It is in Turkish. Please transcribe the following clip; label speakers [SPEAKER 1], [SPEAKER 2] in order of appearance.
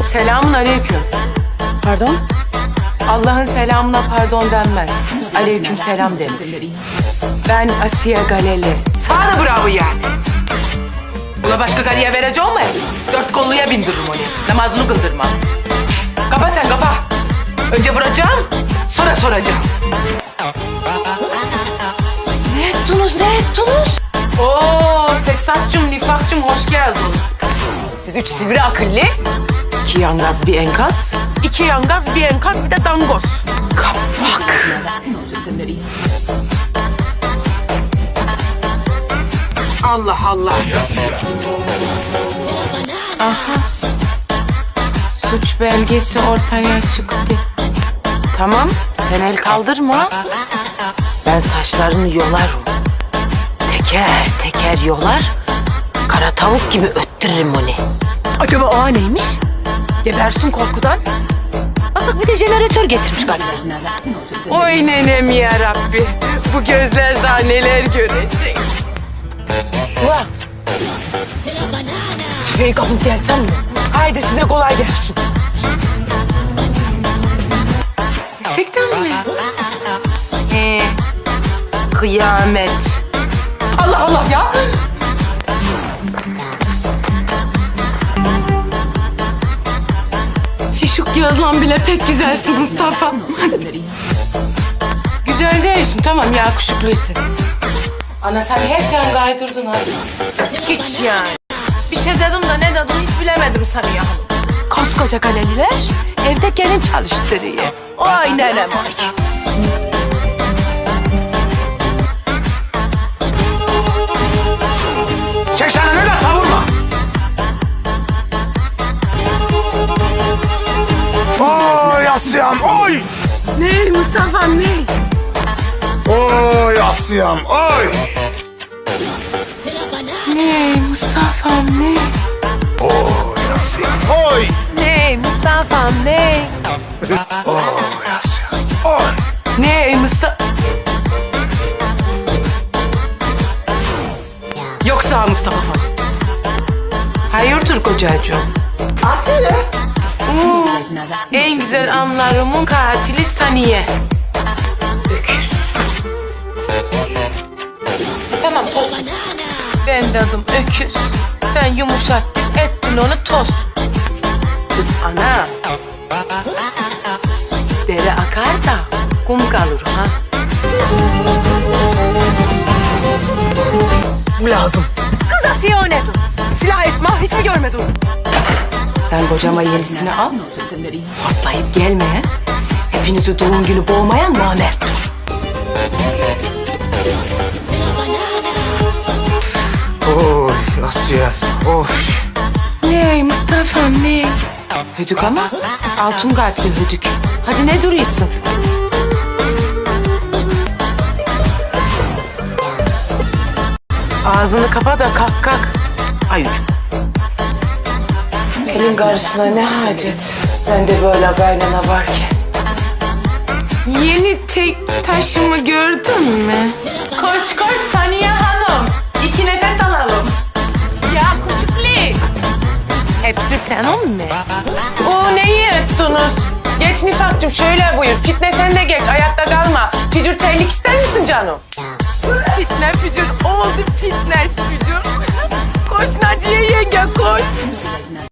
[SPEAKER 1] Selamun aleyküm.
[SPEAKER 2] Pardon?
[SPEAKER 1] Allah'ın selamına pardon denmez. Aleyküm selam denir. Ben Asiye Galeli. Sana da bravo yani. Ula başka galiye vereceğim mi? Dört kolluya bindiririm onu. Namazını kıldırmam. Kapa sen kapa. Önce vuracağım, sonra soracağım.
[SPEAKER 2] Ne ettiniz, ne ettiniz?
[SPEAKER 1] Oo, Fesatcığım, Nifakcığım hoş geldin.
[SPEAKER 2] Siz üç sivri akıllı.
[SPEAKER 1] İki yangaz bir enkaz.
[SPEAKER 2] İki yangaz, bir enkaz, bir de dangoz.
[SPEAKER 1] Kapak. Allah Allah. Aha. Suç belgesi ortaya çıktı. Tamam, sen el kaldırma. Ben saçlarını yolarım. Teker teker yolar. Kara tavuk gibi öttürürüm onu.
[SPEAKER 2] Acaba o neymiş? Gebersin korkudan. Bak bir de jeneratör getirmiş galiba.
[SPEAKER 1] Oy nenem ya Rabbi. Bu gözler daha neler görecek.
[SPEAKER 2] Ulan. Tüfeği kapıp gelsem mi? Haydi size kolay gelsin.
[SPEAKER 1] Gerçekten mi? Kıyamet.
[SPEAKER 2] Allah Allah ya.
[SPEAKER 1] Şişuk yazlan bile pek güzelsin Mustafa. Güzel değilsin tamam ya kuşukluysun. Ana sen hepten gaydırdın ha. Hiç yani. Bir şey dedim de ne dedim hiç bilemedim sanıyorum.
[SPEAKER 2] Koskoca galeliler evde gelin çalıştırıyor. Oy nenem oy.
[SPEAKER 3] Çeşenini de savurma. Oy Asiyam, oy!
[SPEAKER 1] Ne Mustafa'm ne?
[SPEAKER 3] Oy Asiyam, oy!
[SPEAKER 1] Ne Mustafa'm ne?
[SPEAKER 3] Oy Asiyam, oy!
[SPEAKER 1] Ne Mustafa'm ne?
[SPEAKER 3] Oy Asiyam, oy!
[SPEAKER 1] Ne Mustafa? Yoksa Mustafa falan. Hayırdır kocacığım?
[SPEAKER 2] Asiye.
[SPEAKER 1] En güzel anlarımın katili Saniye. Öküz. Tamam toz. Ben de adım öküz. Sen yumuşattın ettin onu toz. Kız ana. Dere akar da kum kalır ha.
[SPEAKER 2] Bu lazım. Kız Asiye o nedir? Silah Esma hiç mi görmedin?
[SPEAKER 1] Sen kocama yenisini al. Hortlayıp gelmeyen, hepinizi doğum günü boğmayan namerttir.
[SPEAKER 3] Oy Asiyam, oy!
[SPEAKER 1] Ne Mustafa'm ne? Hödük ama altın kalpli hödük. Hadi ne duruyorsun? Ağzını kapa da kalk kalk. Ayucuk. Elin karşısına ne hacet? Ben de böyle kaynana varken. Yeni tek taşımı gördün mü? Koş koş Saniye Hanım. 2 nefes alalım. Ya kuşukli. Hepsi senin mi? O neyi ettiniz? Geç Nifak'cığım şöyle buyur. Fitne sen de geç ayakta kalma. Fücür terlik ister misin canım? Fitne fücür oldu fitness fücür. Koş Naciye yenge koş.